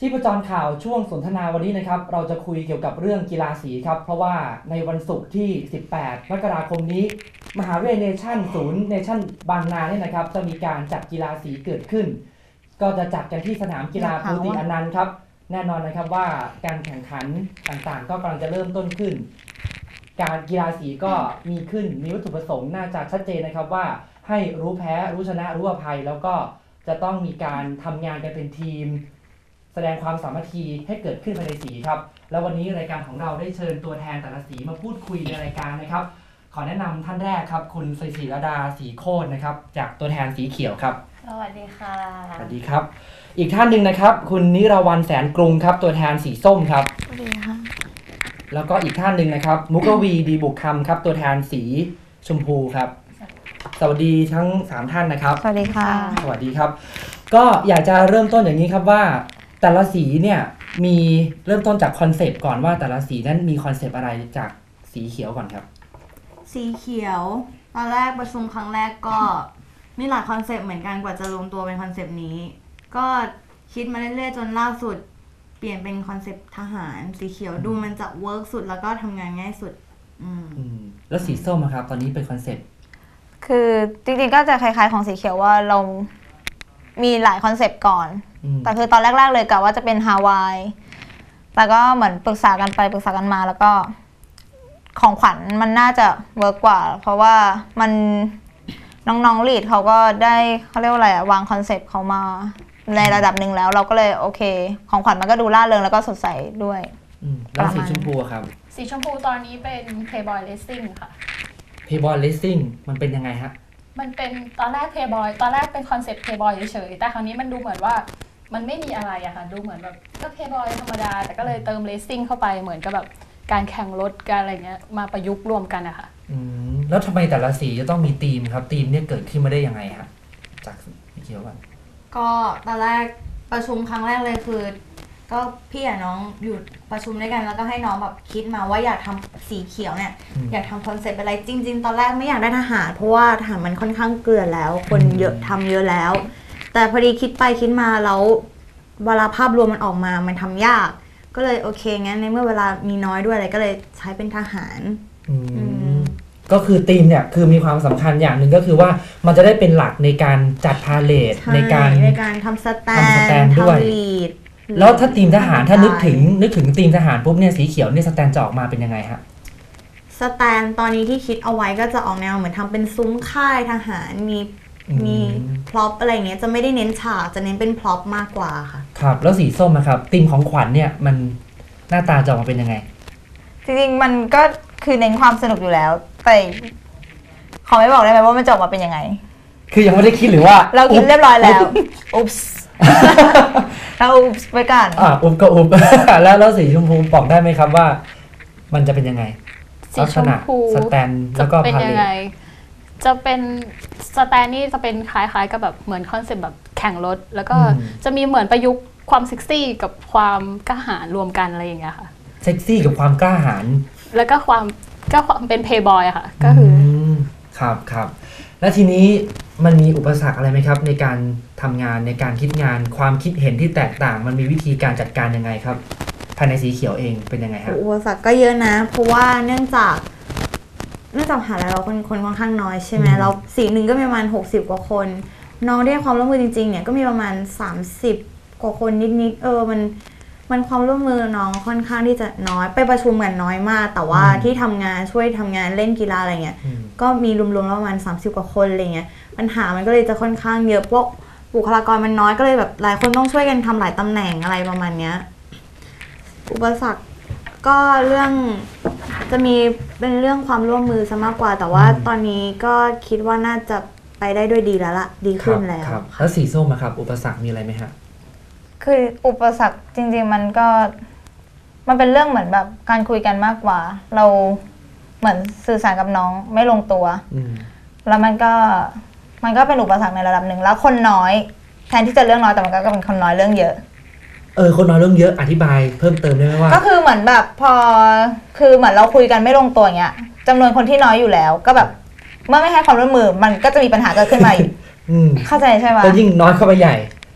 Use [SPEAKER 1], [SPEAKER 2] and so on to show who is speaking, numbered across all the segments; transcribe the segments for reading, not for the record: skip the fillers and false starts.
[SPEAKER 1] ชีพจรข่าวช่วงสนทนาวันนี้นะครับเราจะคุยเกี่ยวกับเรื่องกีฬาสีครับเพราะว่าในวันศุกร์ที่18มกราคมนี้มหาวิทยาลัยเนชั่นศูนย์เนชั่นบางนาเนี่ยนะครับจะมีการจัดกีฬาสีเกิดขึ้นก็จะจัดกันที่สนามกีฬาภูติอนันต์ครับแน่นอนนะครับว่าการแข่งขันต่างๆก็กำลังจะเริ่มต้นขึ้นการกีฬาสีก็มีขึ้นมีวัตถุประสงค์น่าจะชัดเจนนะครับว่าให้รู้แพ้รู้ชนะรู้อภัยแล้วก็จะต้องมีการทำงานกันเป็นทีมแสดงความสามัคคีให้เกิดขึ้นภายในสีครับแล้ววันนี้รายการของเราได้เชิญตัวแทนแต่ละสีมาพูดคุยในรายการนะครับขอแนะนำท่านแรกครับคุณศรีรดาศรีโคตรนะครับจากตัวแทนสีเขียวครับ
[SPEAKER 2] สวัสดีค่ะ
[SPEAKER 1] สวัสดีครับอีกท่านหนึ่งนะครับคุณนิรวรรณแสนกรุงครับตัวแทนสีส้มครับ
[SPEAKER 2] สวัสดีค่ะ
[SPEAKER 1] แล้วก็อีกท่านหนึ่งนะครับมุกวีดีบุกคำครับตัวแทนสีชมพูครับสวัสดีทั้ง3ท่านนะครับ
[SPEAKER 2] สวัสดีค่ะ
[SPEAKER 1] สวัสดีครับก็อยากจะเริ่มต้นอย่างนี้ครับว่าแต่ละสีเนี่ยมีเริ่มต้นจากคอนเซปต์ก่อนว่าแต่ละสีนั้นมีคอนเซปต์อะไรจากสีเขียวก่อนครับ
[SPEAKER 3] สีเขียวตอนแรกประชุมครั้งแรกก็มีหลายคอนเซปต์เหมือนกันกว่าจะรวมตัวเป็นคอนเซปต์นี้ก็คิดมาเรื่อยๆจนล่าสุดเปลี่ยนเป็นคอนเซปต์ทหารสีเขียวดูมันจะเวิร์กสุดแล้วก็ทำงานง่ายสุด
[SPEAKER 1] แล้วสีส้มครับตอนนี้เป็นคอนเซปต์
[SPEAKER 2] คือจริงๆก็จะคล้ายๆของสีเขียวว่าเรามีหลายคอนเซปต์ก่อนแต่คือตอนแรกๆเลยกะว่าจะเป็นฮาวายแต่ก็เหมือนปรึกษากันไปปรึกษากันมาแล้วก็ของขวัญมันน่าจะเวิร์กกว่าเพราะว่ามันน้องๆลีดเขาก็ได้เขาเรียกว่าอะไรวางคอนเซปต์เขามาในระดับหนึ่งแล้วเราก็เลยโอเคของขวัญมันก็ดูร่าเริงแล้วก็สดใสด้วย
[SPEAKER 1] แล้วสีชมพูครับ
[SPEAKER 4] สีชมพูตอนนี้เป็น Playboy Racing ค่ะ
[SPEAKER 1] Playboy Racing มันเป็นยังไงฮะ
[SPEAKER 4] มันเป็นตอนแรก Playboy ตอนแรกเป็นคอนเซ็ปต์ Playboy เฉยๆแต่คราวนี้มันดูเหมือนว่ามันไม่มีอะไรอะค่ะดูเหมือนแบบก็ Playboy ธรรมดาแต่ก็เลยเติม Racing เข้าไปเหมือนกับแบบการแข่งรถการอะไรเงี้ยมาประยุกต์รวมกันอะค่ะ
[SPEAKER 1] แล้วทำไมแต่ละสีจะต้องมีธีมครับธีมเนี่ยเกิดขึ้นมาได้ยังไงฮะจากสีเขียวกัน
[SPEAKER 3] ก็ตอนแรกประชุมครั้งแรกเลยคือก็พี่กับน้องอยู่ประชุมด้วยกันแล้วก็ให้น้องแบบคิดมาว่าอยากทำสีเขียวเนี่ยอยากทำคอนเซ็ปต์อะไรจริงๆตอนแรกไม่อยากได้ทหารเพราะว่าทหารมันค่อนข้างเกลือแล้วคนเยอะทำเยอะแล้วแต่พอดีคิดไปคิดมาแล้วเวลาภาพรวมมันออกมามันทำยากก็เลยโอเคงั้นในเมื่อเวลามีน้อยด้วยอะไรก็เลยใช้เป็นทหาร
[SPEAKER 1] ก็คือธีมเนี่ยคือมีความสำคัญอย่างหนึ่งก็คือว่ามันจะได้เป็นหลักในการจัดพาเลทใน
[SPEAKER 3] การทำสแตน
[SPEAKER 1] ด้วยแล้วถ้าธีมทหารถ้านึกถึงธีมทหารปุ๊บเนี่ยสีเขียวเนี่ยสแตนจะออกมาเป็นยังไงฮะ
[SPEAKER 3] สแตนตอนนี้ที่คิดเอาไว้ก็จะออกแนวเหมือนทำเป็นซุ้มค่ายทหารมีพร็อพอะไรเงี้ยจะไม่ได้เน้นฉากจะเน้นเป็นพร็อพมากกว่าค่ะ
[SPEAKER 1] ครับแล้วสีส้มนะครับธีมของขวัญเนี่ยมันหน้าตาจะออกมาเป็นยังไง
[SPEAKER 2] จริงๆมันก็คือเน้นความสนุกอยู่แล้วแต่ขอไม่บอกได้ไหมว่ามันจะออกมาเป็นยังไง
[SPEAKER 1] คือยังไม่ได้คิดหรือว่า
[SPEAKER 2] เราคิดเรียบร้อยแล้วอุ๊บส์เราอุ๊บส์ไปก่อน
[SPEAKER 1] อุ๊บก็อุ๊บแล้วสีชมพูบอกได้ไหมครับว่ามันจะเป็นยังไง
[SPEAKER 4] สีชมพู
[SPEAKER 1] สแตนแล้วก็พาเลท
[SPEAKER 4] จะเป็นสแตนนี่จะเป็นคล้ายๆกับแบบเหมือนคอนเซ็ปต์แบบแข่งรถแล้วก็จะมีเหมือนประยุกต์ความเซ็กซี่กับความกล้าหาญรวมกันอะไรอย่างเงี้ยค่ะ
[SPEAKER 1] เซ็กซี่กับความกล้าหาญ
[SPEAKER 4] แล้วก็ความเป็นเพย์บอยอะค่ะก็คือ
[SPEAKER 1] ครับแล้วทีนี้มันมีอุปสรรคอะไรไหมครับในการทำงานในการคิดงานความคิดเห็นที่แตกต่างมันมีวิธีการจัดการยังไงครับภายในสีเขียวเองเป็นยังไงครับ
[SPEAKER 3] อุปสรรคก็เยอะนะเพราะว่าเนื่องจากมหาลัยเราคนค่อนข้างน้อยใช่ไหมเราสีหนึ่งก็มีประมาณ60กว่าคนน้องได้ความร่วมมือจริงๆเนี่ยก็มีประมาณ30กว่าคนนิดๆมันความร่วมมือน้องค่อนข้างที่จะน้อยไปประชุมกันน้อยมากแต่ว่าที่ทำงานช่วยทำงานเล่นกีฬาอะไรเงี้ยก็มีรวมๆแล้วประมาณ30กว่าคนอะไรเงี้ยปัญหามันก็เลยจะค่อนข้างเยอะเพราะบุคลากรมันน้อยก็เลยแบบหลายคนต้องช่วยกันทำหลายตำแหน่งอะไรประมาณเนี้ยอุปสรรคก็เรื่องจะมีเป็นเรื่องความร่วมมือซะมากกว่าแต่ว่าตอนนี้ก็คิดว่าน่าจะไปได้ด้วยดีแล้วล่ะดีขึ้นแล้ว
[SPEAKER 1] แล้วสีส้มครับอุปสรรคมีอะไรไหมฮะ
[SPEAKER 2] คืออุปสรรคจริงๆมันเป็นเรื่องเหมือนแบบการคุยกันมากกว่าเราเหมือนสื่อสารกับน้องไม่ลงตัวแล้วมันก็เป็นอุปสรรคในระดับหนึ่งแล้วคนน้อยแทนที่จะเรื่องน้อยแต่มันก็เป็นคนน้อยเรื่องเยอะ
[SPEAKER 1] คนน้อยเรื่องเยอะอธิบายเพิ่มเติมได้ไหมว่า
[SPEAKER 2] ก็คือเหมือนแบบคือเหมือนเราคุยกันไม่ลงตัวอย่างเงี้ยจำนวนคนที่น้อยอยู่แล้วก็แบบเมื่อไม่ให้ความร่วมมือมันก็จะมีปัญหาเกิดขึ้นมาอีกเข้าใจใช่ไหม
[SPEAKER 1] ก็ยิ่งน้อยเข้าไปใหญ่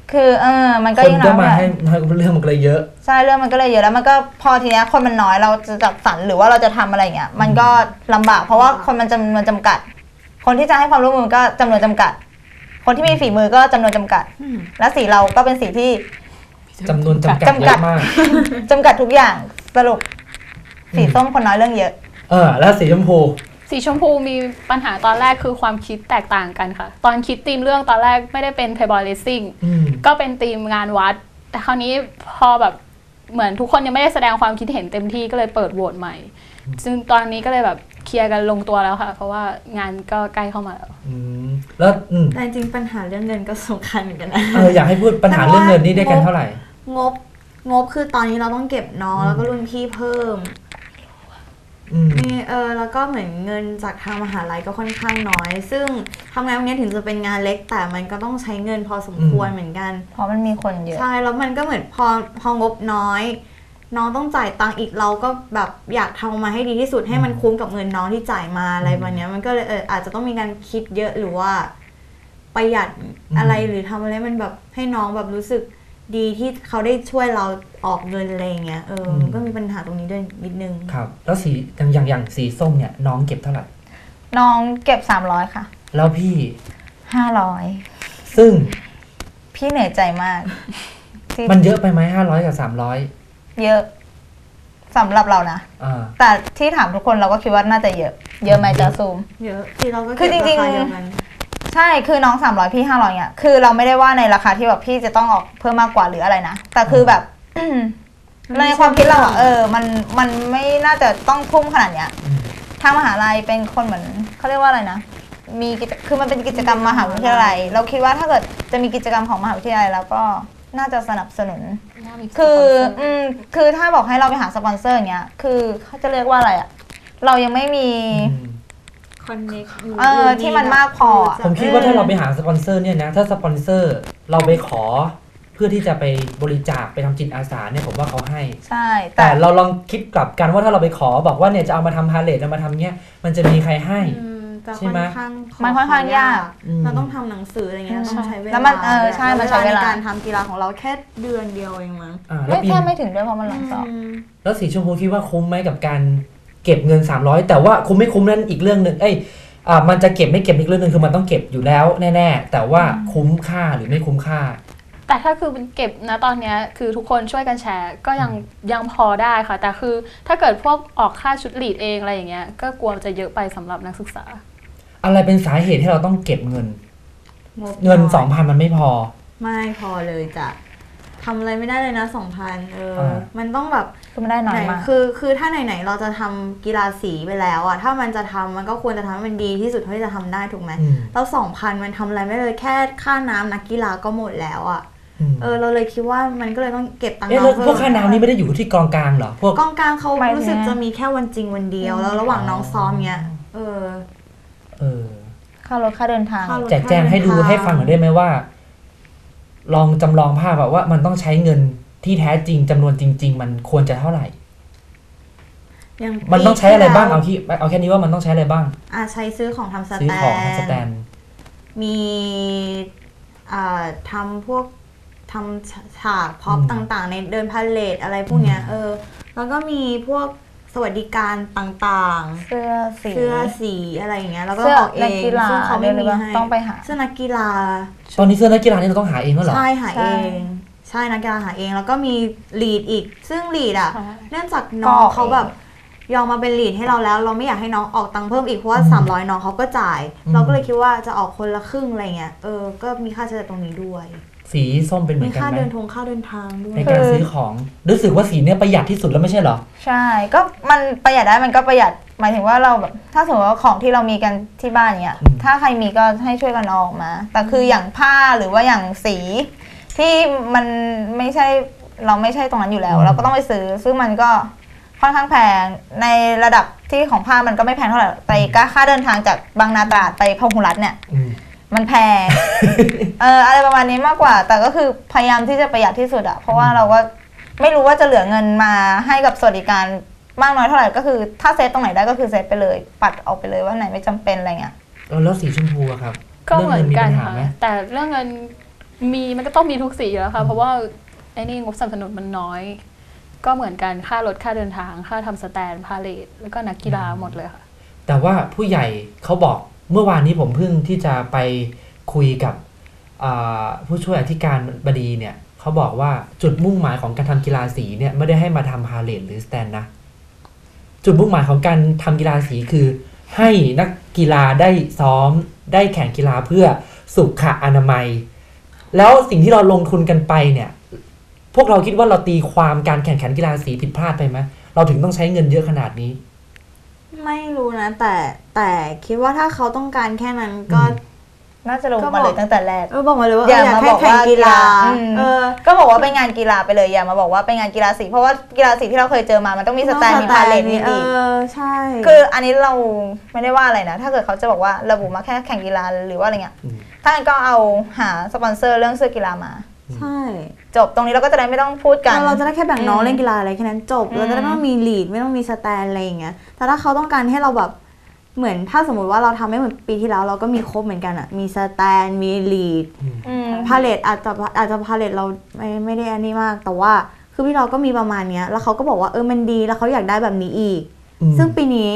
[SPEAKER 2] คือมันก็
[SPEAKER 1] คน
[SPEAKER 2] ยิ่ง
[SPEAKER 1] ก็
[SPEAKER 2] น้อย
[SPEAKER 1] มา
[SPEAKER 2] ไป
[SPEAKER 1] ให้เรื่องมันก็เลยเยอะ
[SPEAKER 2] ใช่เรื่องมันก็เลยเยอะแล้วมันก็พอทีเนี้ยคนมันน้อยเราจะจัดสรรหรือว่าเราจะทำอะไรเงี้ยมันก็ลำบากเพราะว่าคนมันจำนวนจำกัด คนที่จะให้ความร่วมมือก็จำนวนจำกัด คนที่มีฝีมือก็จำนวนจำกัด และสีเราก็เป็นสีที่
[SPEAKER 1] จำนวนจำกัดเยอะมาก
[SPEAKER 2] จำกัดทุกอย่างสรุปสีส้มคนน้อยเรื่องเยอะ
[SPEAKER 1] แล้วสีชมพู
[SPEAKER 4] สีชมพูมีปัญหาตอนแรกคือความคิดแตกต่างกันค่ะ ตอนคิดธีมเรื่องตอนแรกไม่ได้เป็น Playboy Racing ก็เป็นธีมงานวัด แต่คราวนี้พอแบบเหมือนทุกคนยังไม่ได้แสดงความคิดเห็นเต็มที่ก็เลยเปิดโหวตใหม่ ซึ่งตอนนี้ก็เลยแบบเคลียร์กันลงตัวแล้วค่ะ เพราะว่างานก็ใกล้เข้ามาแล้ว
[SPEAKER 1] แล้ว
[SPEAKER 3] แต่จริงๆปัญหาเรื่องเงินก็สำคัญเหมือนกันนะ
[SPEAKER 1] อยากให้พูดปัญหาเรื่องเงินนี่ได้กันเท่าไหร่
[SPEAKER 3] งบคือตอนนี้เราต้องเก็บน้องแล้วก็รุ่นพี่เพิ่มนี่แล้วก็เหมือนเงินจากทางมหาลัยก็ค่อนข้างน้อย ซึ่งทำงานวันนี้ถึงจะเป็นงานเล็กแต่มันก็ต้องใช้เงินพอสมควรเหมือนกัน
[SPEAKER 2] เพราะมันมีคนเยอะ
[SPEAKER 3] ใช่แล้วมันก็เหมือนพองบน้อยน้องต้องจ่ายตังค์อีกเราก็แบบอยากทำมาให้ดีที่สุดให้มันคุ้มกับเงินน้องที่จ่ายมาอะไรแบบนี้มันก็เลยอาจจะต้องมีการคิดเยอะหรือว่าประหยัดอะไรหรือทำอะไรมันแบบให้น้องแบบรู้สึกดีที่เขาได้ช่วยเราออกเงินอะไรอย่างเงี้ยก็มีปัญหาตรงนี้ด้วยนิดนึง
[SPEAKER 1] ครับแล้วสีอย่างสีส้มเนี่ยน้องเก็บเท่าไหร่
[SPEAKER 2] น้องเก็บ300ค่ะ
[SPEAKER 1] แล้วพี่
[SPEAKER 2] 500
[SPEAKER 1] ซึ่ง
[SPEAKER 2] พี่เหนื่อยใจมาก
[SPEAKER 1] มันเยอะไปไหม500กับ300
[SPEAKER 2] เยอะสำหรับเรานะแต่ที่ถามทุกคนเราก็คิดว่าน่าจะเยอะไหมจะซูม
[SPEAKER 3] เยอะที่เราก็คือจริงๆ
[SPEAKER 2] ใช่คือน้อง300พี่500เนี่ยคือเราไม่ได้ว่าในราคาที่แบบพี่จะต้องออกเพิ่มมากกว่าหรืออะไรนะแต่คือแบบในความคิดเรามันไม่น่าจะต้องทุ่มขนาดเนี้ยทางมหาลัยเป็นคนเหมือนเขาเรียกว่าอะไรนะคือมันเป็นกิจกรรมมหาวิทยาลัยเราคิดว่าถ้าเกิดจะมีกิจกรรมของมหาวิทยาลัยแล้วก็น่าจะสนับสนุนคือถ้าบอกให้เราไปหาสปอนเซอร์อย่างเงี้ยคือเขาจะเรียกว่าอะไรอะเรายังไม่มี
[SPEAKER 3] คอนเนค
[SPEAKER 2] ที่มันมากพอ
[SPEAKER 1] ผมคิดว่าถ้าเราไปหาสปอนเซอร์เนี่ยนะถ้าสปอนเซอร์เราไปขอเพื่อที่จะไปบริจาคไปทำจิตอาสาเนี่ยผมว่าเขาให้
[SPEAKER 2] ใช่
[SPEAKER 1] แต่เราลองคิดกลับกันว่าถ้าเราไปขอบอกว่าเนี่ยจะเอามาทำพาเลทเอามาทำเนี้ยมันจะมีใครให้ใช่ไหม
[SPEAKER 2] มันค่อนข้างยาก
[SPEAKER 3] เราต้องทำหนังสืออะไรเงี้ยต้องใช้เวลา
[SPEAKER 2] แล้วมันใช่มันใช้เวลา
[SPEAKER 3] ในการทำกีฬาของเราแค่เดือนเดียวเองมั้ง
[SPEAKER 2] แค่ไม่ถึงด้วยเพราะมันหลังสอบ
[SPEAKER 1] แล้วสีชมพูคิดว่าคุ้มไหมกับการเก็บเงิน300แต่ว่าคุ้มไม่คุ้มนั่นอีกเรื่องนึงมันจะเก็บไม่เก็บอีกเรื่องนึงคือมันต้องเก็บอยู่แล้วแน่ๆแต่ว่าคุ้มค่าหรือไม่คุ้มค่า
[SPEAKER 4] แต่ถ้าคือมันเก็บนะตอนนี้คือทุกคนช่วยกันแชร์ก็ยังพอได้ค่ะแต่คือถ้าเกิดพวกออกค่าชุดลีดเองอะไรอย่างเงี้ยก็กลัวจะเยอะไปสำหรับนักศึกษา
[SPEAKER 1] อะไรเป็นสาเหตุที่เราต้องเก็บเงิน 2,000 มันไม่พอ
[SPEAKER 3] ไม่พอเลยจ้ะทำอะไรไม่ได้เลยนะ 2,000มันต้องแบบ
[SPEAKER 2] ไม่ได้น้อยมาก
[SPEAKER 3] คือถ้าไหนๆเราจะทำกีฬาสีไปแล้วอะถ้ามันจะทำมันก็ควรจะทำให้มันดีที่สุดเท่าที่จะทำได้ถูกไหมแล้ว 2,000 มันทำอะไรไม่เลยแค่ค่าน้ำนักกีฬาก็หมดแล้วอะเราเลยคิดว่ามันก็เลยต้องเก็บตังค์
[SPEAKER 1] น้องพวกค่าน้ำนี่ไม่ได้อยู่ที่กองกลางเหรอพวก
[SPEAKER 3] กองกลางเขารู้สึกจะมีแค่วันจริงวันเดียวแล้วระหว่างน้องซ้อมเนี้ย
[SPEAKER 2] ค่ารถค่าเดินทาง
[SPEAKER 1] แจกแจงให้ดูให้ฟังหน่อยได้ไหมว่าลองจำลองภาพแบบว่ามันต้องใช้เงินที่แท้จริงจำนวนจริงๆมันควรจะเท่าไหร่มันต้องใช้อะไรบ้างเอาแค่นี้ว่ามันต้องใช้อะไรบ้าง
[SPEAKER 3] ใช้ซื้อของทำสแตนมีทำพวกทำฉากพ็อปต่างๆในเดินพาเลทอะไรพวกเนี้ยแล้วก็มีพวกสวัสดิการต่าง
[SPEAKER 2] ๆเ
[SPEAKER 3] สื้อสีอะไรอย่างเงี้ยแล้วก็ออกเองซึ่งเขาไม่มีให้
[SPEAKER 2] ต้องไปหา
[SPEAKER 3] เสื้อนักกีฬา
[SPEAKER 1] ตอนนี้เสื้อนักกีฬานี่เราต้องหาเองแล้วเหรอ
[SPEAKER 3] ใช่หาเองใช่นักกีฬาหาเองแล้วก็มีลีดอีกซึ่งลีดเนื่องจากน้องเขาแบบยอมมาเป็นลีดให้เราแล้วเราไม่อยากให้น้องออกตังค์เพิ่มอีกเพราะว่า300น้องเขาก็จ่ายเราก็เลยคิดว่าจะออกคนละครึ่งอะไรเงี้ยก็มีค่าใช้จ่ายตรงนี้ด้วย
[SPEAKER 1] สีส้มเป็นเหมือนกันไหม
[SPEAKER 3] มีค่าเดินทางด้วย
[SPEAKER 1] ในการซื้อของรู้สึกว่าสีเนี้ยประหยัดที่สุดแล้วไม่ใช่เหรอ
[SPEAKER 2] ใช่ก็มันประหยัดได้มันก็ประหยัดหมายถึงว่าเราแบบถ้าสมมติว่าของที่เรามีกันที่บ้านเนี้ยถ้าใครมีก็ให้ช่วยกันออกมาแต่คืออย่างผ้าหรือว่าอย่างสีที่มันไม่ใช่เราไม่ใช่ตรงนั้นอยู่แล้วเราก็ต้องไปซื้อซึ่งมันก็ค่อนข้างแพงในระดับที่ของผ้ามันก็ไม่แพงเท่าไหร่แต่ค่าเดินทางจากบางนาตราดไปพหุรัตน์เนี่ยมันแพงอะไรประมาณนี้มากกว่าแต่ก็คือพยายามที่จะประหยัดที่สุดอะเพราะว่าเราก็ไม่รู้ว่าจะเหลือเงินมาให้กับสวัสดิการมากน้อยเท่าไหร่ก็คือถ้าเซตตรงไหนได้ก็คือเซตไปเลยปัดออกไปเลยว่าไหนไม่จำเป็นอะไรเงี้ย
[SPEAKER 1] แล้วสีชมพูอะครับ
[SPEAKER 4] ก็เหมือนกันค่ะแต่เรื่องเงินมันก็ต้องมีทุกสีแล้วค่ะเพราะว่าไอ้นี่งบสนับสนุนมันน้อย ก็เหมือนกันค่ารถค่าเดินทางค่าทำสแตนพาเลทแล้วก็นักกีฬาหมดเลยค่ะ
[SPEAKER 1] แต่ว่าผู้ใหญ่เขาบอกเมื่อวานนี้ผมเพิ่งที่จะไปคุยกับผู้ช่วยอธิการบดีเนี่ยเขาบอกว่าจุดมุ่งหมายของการทำกีฬาสีเนี่ยไม่ได้ให้มาทำพาเลทหรือสแตนนะจุดมุ่งหมายของการทำกีฬาสีคือให้นักกีฬาได้ซ้อมได้แข่งกีฬาเพื่อสุขอนามัยแล้วสิ่งที่เราลงทุนกันไปเนี่ยพวกเราคิดว่าเราตีความการแข่งขันกีฬาสีผิดพลาดไปไหมเราถึงต้องใช้เงินเยอะขนาดนี้
[SPEAKER 3] ไม่รู้นะแต่คิดว่าถ้าเขาต้องการแค่นั้นก็
[SPEAKER 2] น่าจะลงมาเลยตั้งแต่แรก
[SPEAKER 3] บอกมาเลยว่าอยากให้แข่งกีฬา
[SPEAKER 2] ก็บอกว่าเป็นงานกีฬาไปเลยอย่ามาบอกว่าเป็นงานกีฬาสีเพราะว่ากีฬาสีที่เราเคยเจอมามันต้องมีสแตนมีพาเลทมีลีก
[SPEAKER 3] ใช่
[SPEAKER 2] คืออันนี้เราไม่ได้ว่าอะไรนะถ้าเกิดเขาจะบอกว่าระบุมาแค่แข่งกีฬาหรือว่าอะไรเงี้ยถ้างั้นก็เอาหาสปอนเซอร์เรื่องเสื้อกีฬามา
[SPEAKER 3] ใช่
[SPEAKER 2] จบตรงนี้เราก็จะได้ไม่ต้องพูดกัน
[SPEAKER 3] เราจะได้แค่แบ่งน้องเล่นกีฬาอะไรแค่นั้นจบเราจะได้ไม่ต้องมีลีดไม่ต้องมีสแตนอะไรอย่างเงี้ยแต่ถ้าเขาต้องการให้เราแบบเหมือนถ้าสมมติว่าเราทำไม่เหมือนปีที่แล้วเราก็มีครบเหมือนกันอะมีสแตนมีลีดพาเลทอาจจะพาเลทเราไม่ได้อันนี้มากแต่ว่าคือพี่เราก็มีประมาณเนี้ยแล้วเขาก็บอกว่ามันดีแล้วเขาอยากได้แบบนี้อีกซึ่งปีนี้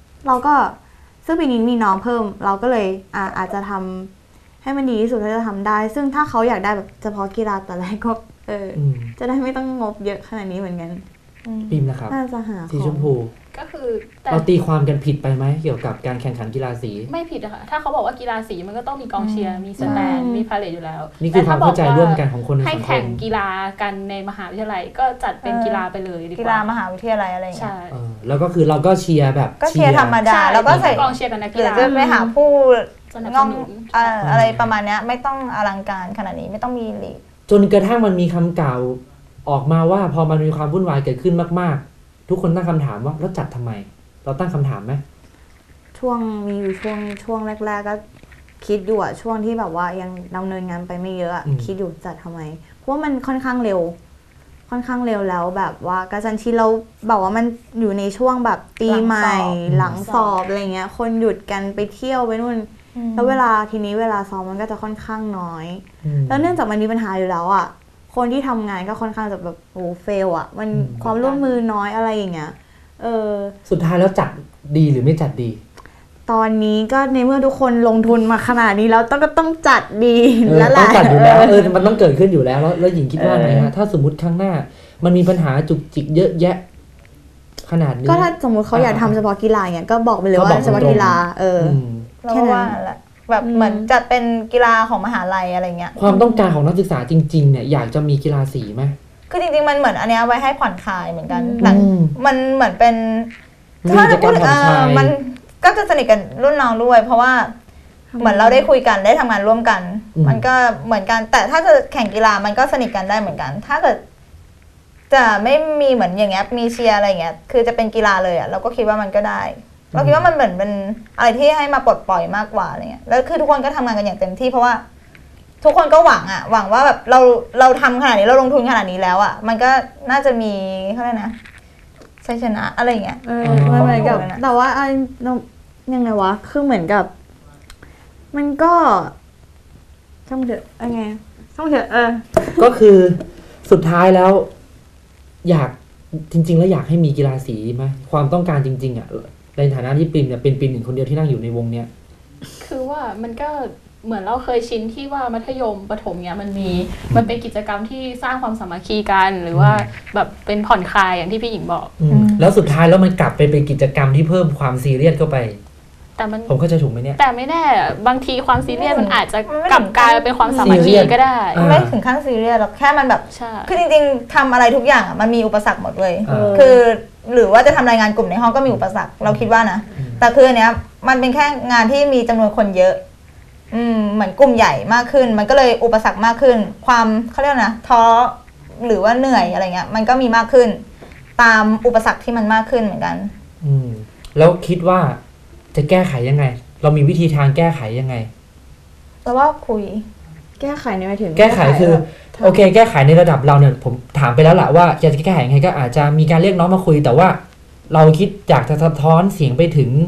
[SPEAKER 3] มีน้องเพิ่มเราก็เลยอาจจะทำให้มันดีที่สุดที่จะทำได้ซึ่งถ้าเขาอยากได้แบบเฉพาะกีฬาแต่แรกก็จะได้ไม่ต้องงบเยอะขนาดนี้เหมือนกัน
[SPEAKER 1] ปิมนะครับ
[SPEAKER 3] น่าจะหา
[SPEAKER 1] สีชมพู
[SPEAKER 4] ก็คือ
[SPEAKER 1] เราตีความกันผิดไปไหมเกี่ยวกับการแข่งขันกีฬาสี
[SPEAKER 4] ไม่ผิดอะค่ะถ้าเขาบอกว่ากีฬาสีมันก็ต้องมีกองเชียร์มีสแตนมีพาเลทอยู่แล้ว
[SPEAKER 1] นี่คือความเข้าใจร่วมกันของคนในสังคม
[SPEAKER 4] ให้แข่งกีฬากันในมหาวิทยาลัยก็จัดเป็นกีฬาไปเลยดีกว่า
[SPEAKER 2] กีฬามหาวิทยาลัยอะไรอย่างเงี้ย
[SPEAKER 1] แล้วก็คือเราก็เชียร์แบบ
[SPEAKER 2] ก็เชียร์ธรรมดาแล้วก็ใส่
[SPEAKER 4] กองเชียร์กันนักกีฬา
[SPEAKER 2] จะไปหาผู้งอมอะไรประมาณนี้ไม่ต้องอลังการขนาดนี้ไม่ต้องมีลีก
[SPEAKER 1] จนกระทั่งมันมีคำกล่าวออกมาว่าพอมันมีความวุ่นวายเกิดขึ้นมากๆทุกคนตั้งคำถามว่าแล้วจัดทำไมเราตั้งคำถามไหม
[SPEAKER 3] มีอยู่ช่วงแรกๆก็คิดอยู่อะช่วงที่แบบว่ายังดำเนินงานไปไม่เยอะคิดอยู่จัดทำไมเพราะว่ามันค่อนข้างเร็วแล้วแบบว่ากระชั้นชิดเราบอกว่ามันอยู่ในช่วงแบบปีใหม่หลังสอบอะไรเงี้ยคนหยุดกันไปเที่ยวไปนู่นแล้วเวลาซ้อมมันก็จะค่อนข้างน้อยแล้วเนื่องจากมันมีปัญหาอยู่แล้วอะคนที่ทำงานก็ค่อนข้างจะแบบเฟลอะมันความร่วมมือน้อยอะไรอย่างเงี้ย
[SPEAKER 1] สุดท้ายแล้วจัดดีหรือไม่จัดดี
[SPEAKER 3] ตอนนี้ก็ในเมื่อทุกคนลงทุนมาขนาดนี้แล้วก็ต้องจัดดีแล้วแหละ
[SPEAKER 1] ต้องจัดอยู่แล้วมันต้องเกิดขึ้นอยู่แล้วแล้วหญิงคิดว่าไงฮะถ้าสมมติข้างหน้ามันมีปัญหาจุกจิกเยอะแยะขนาดนี้
[SPEAKER 3] ก็ถ้าสมมติเขาอยากทำเฉพาะกีฬาเนี่ยก็บอกไปเลยว่าเฉพาะกีฬา
[SPEAKER 2] แค่นั้นแหละแบบเหมือนจัดเป็นกีฬาของมหาลัยอะไรเงี้ย
[SPEAKER 1] ความต้องการของนักศึกษาจริงๆเนี่ยอยากจะมีกีฬาสีไหม
[SPEAKER 2] คือจริงๆมันเหมือนอันนี้ไว้ให้ผ่อนคลายเหมือนกันแต่มันเหมือนเป็น
[SPEAKER 1] ถ้าจะพูด
[SPEAKER 2] มันก็จะสนิทกันรุ่นน้องด้วยเพราะว่าเหมือนเราได้คุยกันได้ทำงานร่วมกันมันก็เหมือนกันแต่ถ้าจะแข่งกีฬามันก็สนิทกันได้เหมือนกันถ้าเกิดจะไม่มีเหมือนอย่างเงี้ยมีเชียร์อะไรเงี้ยคือจะเป็นกีฬาเลยอ่ะเราก็คิดว่ามันก็ได้เราคิดว่ามันเหมือนเป็นอะไรที่ให้มาปลดปล่อยมากกว่าอะไรเงี้ยแล้วคือทุกคนก็ทำงานกันอย่างเต็มที่เพราะว่าทุกคนก็หวังว่าแบบเราทำขนาดนี้เราลงทุนขนาดนี้แล้วอ่ะมันก็น่าจะมีเขาเรียกนะชัยชนะอะไรเงี้ย
[SPEAKER 3] เหมือนกับแต่ว่ายังไงวะคือเหมือนกับมันก็ช่างเถอะยังไงช่างเถอะ
[SPEAKER 1] ก็คือสุดท้ายแล้วอยากจริงๆแล้วอยากให้มีกีฬาสีไหมความต้องการจริงๆอ่ะในฐานะที่ปิ่นเนี่ยเป็นปิ่นหนึ่งคนเดียวที่นั่งอยู่ในวงเนี้ย
[SPEAKER 4] คือว่ามันก็เหมือนเราเคยชินที่ว่ามัธยมประถมเนี่ยมันเป็นกิจกรรมที่สร้างความสามัคคีกันหรือว่าแบบเป็นผ่อนคลายอย่างที่พี่หญิงบอก
[SPEAKER 1] แล้วสุดท้ายแล้วมันกลับไปเป็นกิจกรรมที่เพิ่มความซีเรียสเข้าไป
[SPEAKER 4] แต่
[SPEAKER 1] ผมเข้าใจถูกไหมเนี่ย
[SPEAKER 4] แต่ไม่แน่บางทีความซีเรียสมันอาจจะกลับกลายเป็นความสามัคคีก็ได้
[SPEAKER 2] ไม่ถึงขั้นซีเรียสหรอกแค่มันแบบคือจริงๆทำอะไรทุกอย่างมันมีอุปสรรคหมดเลยคือหรือว่าจะทำรายงานกลุ่มในห้องก็มีอุปสรรคเราคิดว่านะแต่คืออันเนี้ยมันเป็นแค่งานที่มีจำนวนคนเยอะเหมือนกลุ่มใหญ่มากขึ้นมันก็เลยอุปสรรคมากขึ้นความเขาเรียกนะท้อหรือว่าเหนื่อยอะไรเงี้ยมันก็มีมากขึ้นตามอุปสรรคที่มันมากขึ้นเหมือนกัน
[SPEAKER 1] แล้วคิดว่าจะแก้ไขยังไงเรามีวิธีทางแก้ไขยังไง
[SPEAKER 2] แล้วว่าคุย
[SPEAKER 3] แก้ไขในหมายถึง
[SPEAKER 1] แก้ไขคือโอเคแก้ไขในระดับเราเนี่ยผมถามไปแล้วแหละว่าจะแก้ไขยังไงก็อาจจะมีการเรียกน้องมาคุยแต่ว่าเราคิดอยากจะสะท้อนเสียงไปถึง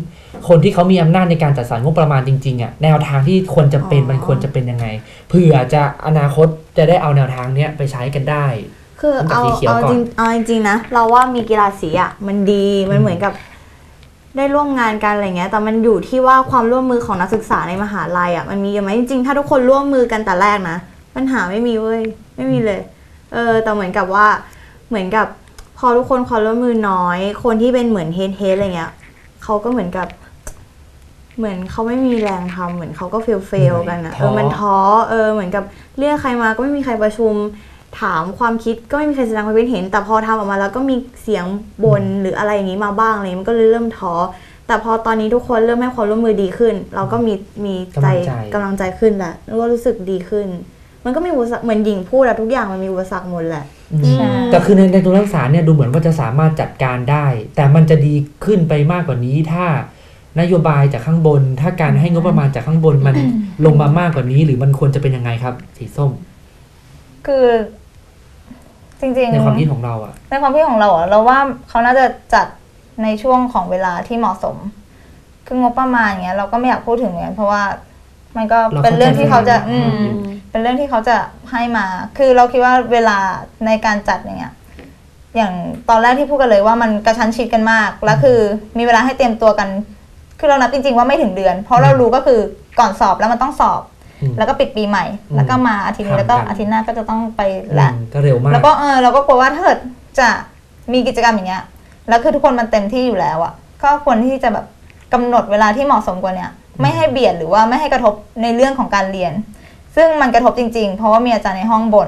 [SPEAKER 1] คนที่เขามีอำนาจในการจัดสรรงบประมาณจริงๆอ่ะแนวทางที่ควรจะเป็นมันควรจะเป็นยังไงเผื่อจะอนาคตจะได้เอาแนวทางเนี้ยไปใช้กันได้
[SPEAKER 3] คือเอาจริงๆนะเราว่ามีกีฬาสีอ่ะมันดีมันเหมือนกับได้ร่วมงานกันอะไรเงี้ยแต่มันอยู่ที่ว่าความร่วมมือของนักศึกษาในมหาลัยอ่ะมันมีไหมจริงๆถ้าทุกคนร่วมมือกันแต่แรกนะปัญหาไม่มีเว้ยไม่มีเลยแต่เหมือนกับว่าเหมือนกับพอทุกคนความร่วมมือน้อยคนที่เป็นเหมือนเฮดอะไรเงี้ยเขาก็เหมือนกับเหมือนเขาไม่มีแรงทำเหมือนเขาก็เฟลกันอะมันท้อเหมือนกับเรียกใครมาก็ไม่มีใครประชุมถามความคิดก็ไม่มีใครแสดงความคิดเห็นแต่พอทำออกมาแล้วก็มีเสียงบ่นหรืออะไรอย่างนี้มาบ้างอะไรมันก็เลยเริ่มท้อแต่พอตอนนี้ทุกคนเริ่มให้ความร่วมมือดีขึ้นเราก็มีใจกำลังใจขึ้นแหละแล้วก็รู้สึกดีขึ้นมันก็มีอุปสรรคเหมือนหญิงพูดอะทุกอย่างมันมีอุปสรรคหมดแหละ
[SPEAKER 1] แต่คือในตัวนักศึกษาเนี่ยดูเหมือนว่าจะสามารถจัดการได้แต่มันจะดีขึ้นไปมากกว่านี้ถ้านโยบายจากข้างบนถ้าการให้งบประมาณจากข้างบนมันลงมามากกว่านี้หรือมันควรจะเป็นยังไงครับสีส้ม
[SPEAKER 2] คือจริงๆ
[SPEAKER 1] ในความคิดของเราอะ
[SPEAKER 2] ในความคิดของเราอะเราว่าเขาน่าจะจัดในช่วงของเวลาที่เหมาะสมคืองบประมาณอย่างเงี้ยเราก็ไม่อยากพูดถึงเหมือนกันเพราะว่ามันก็เป็นเรื่องที่เขาจะเป็นเรื่องที่เขาจะให้มาคือเราคิดว่าเวลาในการจัดอย่างเงี้ยอย่างตอนแรกที่พูดกันเลยว่ามันกระชั้นชิดกันมากแล้วคือมีเวลาให้เตรียมตัวกันคือเรานับจริงๆว่าไม่ถึงเดือนเพราะเรารู้ก็คือก่อนสอบแล้วมันต้องสอบแล้วก็ปิดปีใหม่แล้วก็มาอาทิตย์นี้แล้วก็อาทิตย์หน้าก็จะต้องไปละ
[SPEAKER 1] ก็เร็วมาก
[SPEAKER 2] แล้วก็เราก็กลัวว่าถ้าเกิดจะมีกิจกรรมอย่างเงี้ยแล้วคือทุกคนมันเต็มที่อยู่แล้วอ่ะก็ควรที่จะแบบกำหนดเวลาที่เหมาะสมกว่าเนี้ยไม่ให้เบียดหรือว่าไม่ให้กระทบในเรื่องของการเรียนซึ่งมันกระทบจริงๆเพราะว่ามีอาจารย์ในห้องบ่น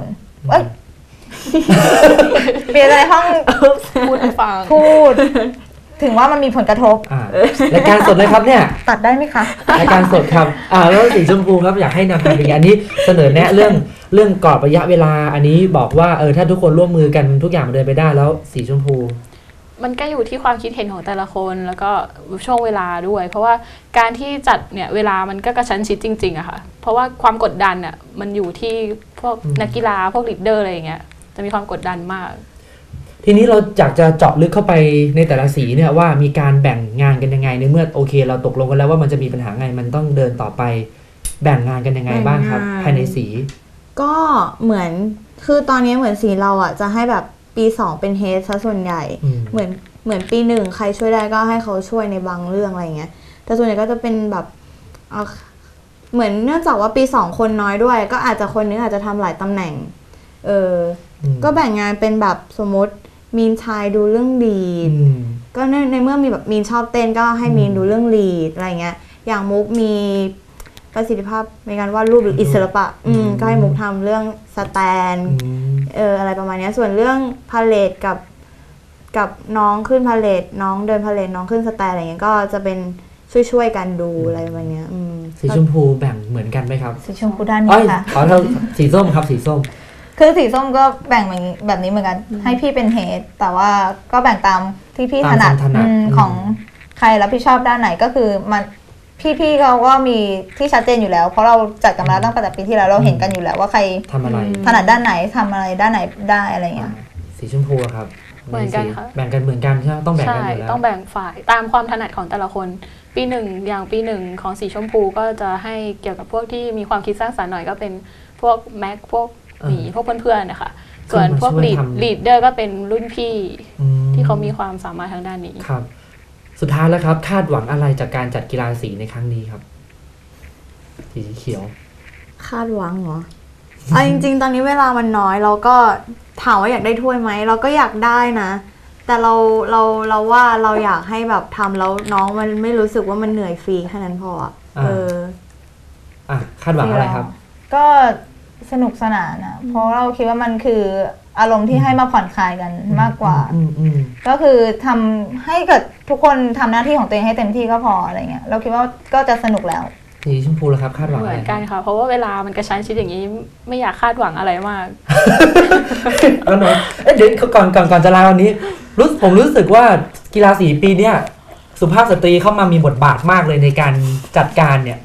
[SPEAKER 2] มีอาจารย์ในห้อง
[SPEAKER 4] พูดให้ฟัง
[SPEAKER 2] พูดถึงว่ามันมีผลกระทบ
[SPEAKER 1] รายการสดเลยครับเนี่ย
[SPEAKER 2] ตัดได้ไหมคะ
[SPEAKER 1] รายการสดครับแล้วสีชมพูครับอยากให้แนวทางเป็นอันนี้เสนอแนะเรื่องกรอบระยะเวลาอันนี้บอกว่าถ้าทุกคนร่วมมือกันทุกอย่างมันเดินไปได้แล้วสีชมพู
[SPEAKER 4] มันก็อยู่ที่ความคิดเห็นของแต่ละคนแล้วก็ช่วงเวลาด้วยเพราะว่าการที่จัดเนี่ยเวลามันก็กระชั้นชิดจริงๆอะค่ะเพราะว่าความกดดันอะมันอยู่ที่พวกนักกีฬาพวกลีดเดอร์อะไรอย่างเงี้ยจะมีความกดดันมาก
[SPEAKER 1] ทีนี้เราอยากจะเจาะลึกเข้าไปในแต่ละสีเนี่ยว่ามีการแบ่งงานกันยังไงในเมื่อโอเคเราตกลงกันแล้วว่ามันจะมีปัญหาไงมันต้องเดินต่อไปแบ่งงานกันยังไงบ้างครับภายในสี
[SPEAKER 3] ก็เหมือนคือตอนนี้เหมือนสีเราอ่ะจะให้แบบปี2เป็นเฮดซะส่วนใหญ่เหมือนปี1ใครช่วยได้ก็ให้เขาช่วยในบางเรื่องอะไรเงี้ยแต่ส่วนใหญ่ก็จะเป็นแบบเหมือนเนื่องจากว่าปี2คนน้อยด้วยก็อาจจะคนนึงอาจจะทำหลายตำแหน่งก็แบ่งงานเป็นแบบสมมติมีนชายดูเรื่องลีดก็ในเมื่อมีแบบมีนชอบเต้นก็ให้มีนดูเรื่องลีดอะไรเงี้ยอย่างมุกมีประสิทธิภาพในการวาดรูปหรืออิสระปะก็ให้มุกทำเรื่องสแตนอะไรประมาณนี้ส่วนเรื่องพาเลทกับน้องขึ้นพาเลทน้องเดินพาเลทน้องขึ้นสแตนอะไรเงี้ยก็จะเป็นช่วยกันดูอะไรประมาณนี้
[SPEAKER 1] สีชมพูแบ่งเหมือนกันไหมครับ
[SPEAKER 2] สีชมพูด้านนี้ค่ะ
[SPEAKER 1] ขอเราสีส้มครับสีส้ม
[SPEAKER 2] คือสีส้มก็แบ่งแบบนี้เหมือนกันให้พี่เป็นเฮดแต่ว่าก็แบ่งตามที่พี่ถนัดของใครรับผิดชอบด้านไหนก็คือมันพี่เขาก็มีที่ชัดเจนอยู่แล้วเพราะเราจัดกันมาแล้วตั้งแต่ปีที่แล้วเราเห็นกันอยู่แล้วว่าใคร
[SPEAKER 1] ทำอะไร
[SPEAKER 2] ถนัดด้านไหนทำอะไรด้านไหนได้อะไรเงี้ย
[SPEAKER 1] สีชมพูครับ
[SPEAKER 4] เหมือนกันค่ะ
[SPEAKER 1] แบ่งกันเหมือนกันใช่ไหมต้องแบ่งกันอยู่แล้ว
[SPEAKER 4] ต้องแบ่งฝ่ายตามความถนัดของแต่ละคนปีหนึ่งอย่างปีหนึ่งของสีชมพูก็จะให้เกี่ยวกับพวกที่มีความคิดสร้างสรรค์หน่อยก็เป็นพวกแม็กพวกพวกเพื่อนๆนะคะส่วนพวกลีดเดอร์ก็เป็นรุ่นพี่ที่เขามีความสามารถทางด้านนี้
[SPEAKER 1] ครับสุดท้ายแล้วครับคาดหวังอะไรจากการจัดกีฬาสีในครั้งนี้ครับสีเขียว
[SPEAKER 3] คาดหวังเหรอจริงๆตอนนี้เวลามันน้อยเราก็ถามว่าอยากได้ถ้วยไหมเราก็อยากได้นะแต่เราว่าเราอยากให้แบบทำแล้วน้องมันไม่รู้สึกว่ามันเหนื่อยฟรีแค่นั้นพอ
[SPEAKER 1] คาดหวังอะไรครับ
[SPEAKER 2] ก็สนุกสนานนะเพราะเราคิดว่ามันคืออารมณ์ที่ให้มาผ่อนคลายกันมากกว่าก็คือทำให้เกิดทุกคนทำหน้าที่ของตัวเองให้เต็มที่ก็พออะไรเงี้ยเราคิดว่าก็จะสนุกแล้ว
[SPEAKER 1] สีชมพูแล้วครับคาดหวัง
[SPEAKER 4] เหมือนกันค่ะเพราะว่าเวลามันกระชั้นชิดอย่างนี้ไม่อยากคาดหวังอะไรมาก
[SPEAKER 1] แล้วเนาะเดี๋ยวก่อนจะลาวันนี้ผมรู้สึกว่ากีฬาสีปีเนี้ยสุภาพสตรีเข้ามามีบทบาทมากเลยในการจัดการเนี่ย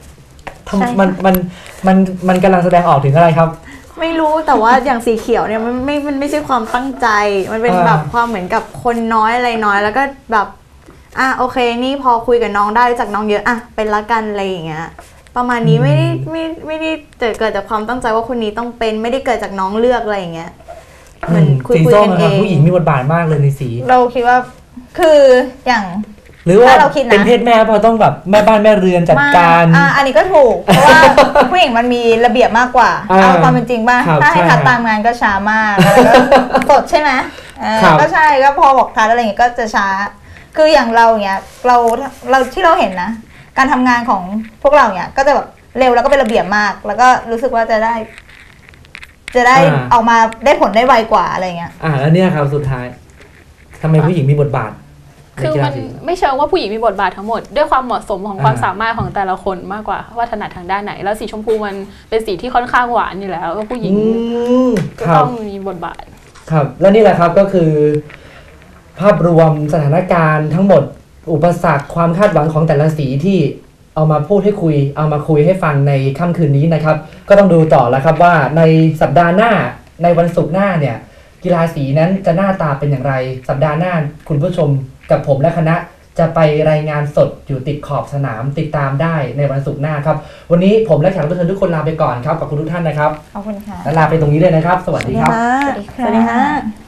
[SPEAKER 1] มันกำลังแสดงออกถึงอะไรครับ
[SPEAKER 3] ไม่รู้แต่ว่าอย่างสีเขียวเนี่ยมันไม่ใช่ความตั้งใจมันเป็นแบบความเหมือนกับคนน้อยอะไรน้อยแล้วก็แบบโอเคนี่พอคุยกับน้องได้รู้จักน้องเยอะเป็นละกันอะไรอย่างเงี้ยประมาณนี้ไม่ได้เกิดจากความตั้งใจว่าคนนี้ต้องเป็นไม่ได้เกิดจากน้องเลือกอะไรอย่างเงี้ยเหมือนคุยกันเอง
[SPEAKER 1] ผู้หญิงมีบทบาทมากเลยในสี
[SPEAKER 2] เราคิดว่าคืออย่าง
[SPEAKER 1] หรือว่าเป็นเพศแม่พอต้องแบบแม่บ้านแม่เรือนจัดการ
[SPEAKER 2] อันนี้ก็ถูกเพราะว่าผู้หญิงมันมีระเบียบมากกว่าเอาความเป็นจริงป่ะถ้าให้ทัดตามงานก็ช้ามากแล้วก็สดใช่ไหมก็ใช่ก็พอบอกทัดอะไรอย่างเงี้ยก็จะช้าคืออย่างเราเงี้ยเราที่เราเห็นนะการทำงานของพวกเราเนี้ยก็จะแบบเร็วแล้วก็เป็นระเบียบมากแล้วก็รู้สึกว่าจะได้ออกมาได้ผลได้ไวกว่าอะไรเงี้ย
[SPEAKER 1] แล้วเนี่ยครับสุดท้ายทำไมผู้หญิงมีบทบาท
[SPEAKER 4] คือมันไม่เชิงว่าผู้หญิงมีบทบาททั้งหมดด้วยความเหมาะสมของความสามารถของแต่ละคนมากกว่าว่าถนัดทางด้านไหนแล้วสีชมพูมันเป็นสีที่ค่อนข้างหวานอยู่แล้วก็ผู้หญิงก็ต้องมีบทบาท
[SPEAKER 1] ครับและนี่แหละครับก็คือภาพรวมสถานการณ์ทั้งหมดอุปสรรคความคาดหวังของแต่ละสีที่เอามาพูดให้คุยเอามาคุยให้ฟังในค่ำคืนนี้นะครับก็ต้องดูต่อแล้วครับว่าในสัปดาห์หน้าในวันศุกร์หน้าเนี่ยกีฬาสีนั้นจะหน้าตาเป็นอย่างไรสัปดาห์หน้าคุณผู้ชมกับผมและคณะจะไปรายงานสดอยู่ติดขอบสนามติดตามได้ในวันศุกร์หน้าครับวันนี้ผมและแขกรับเชิญทุกคนลาไปก่อนครับขอบคุณทุกท่านนะครับ
[SPEAKER 2] ขอบคุณค่ะ
[SPEAKER 1] และลาไปตรงนี้เลยนะครับสวัสดีครับ
[SPEAKER 3] สวัสดีค่ะ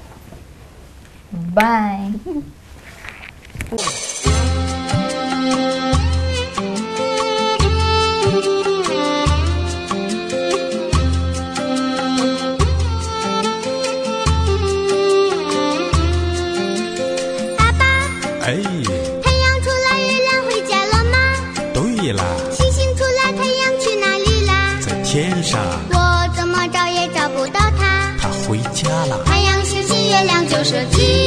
[SPEAKER 2] บาย
[SPEAKER 5] 太阳出来，月亮回家了吗？
[SPEAKER 6] 对啦。
[SPEAKER 5] 星星出来，太阳去哪里啦？
[SPEAKER 6] 在天上。
[SPEAKER 5] 我怎么找也找不到它。
[SPEAKER 6] 它回家了。
[SPEAKER 5] 太阳、星星、月亮就说吉。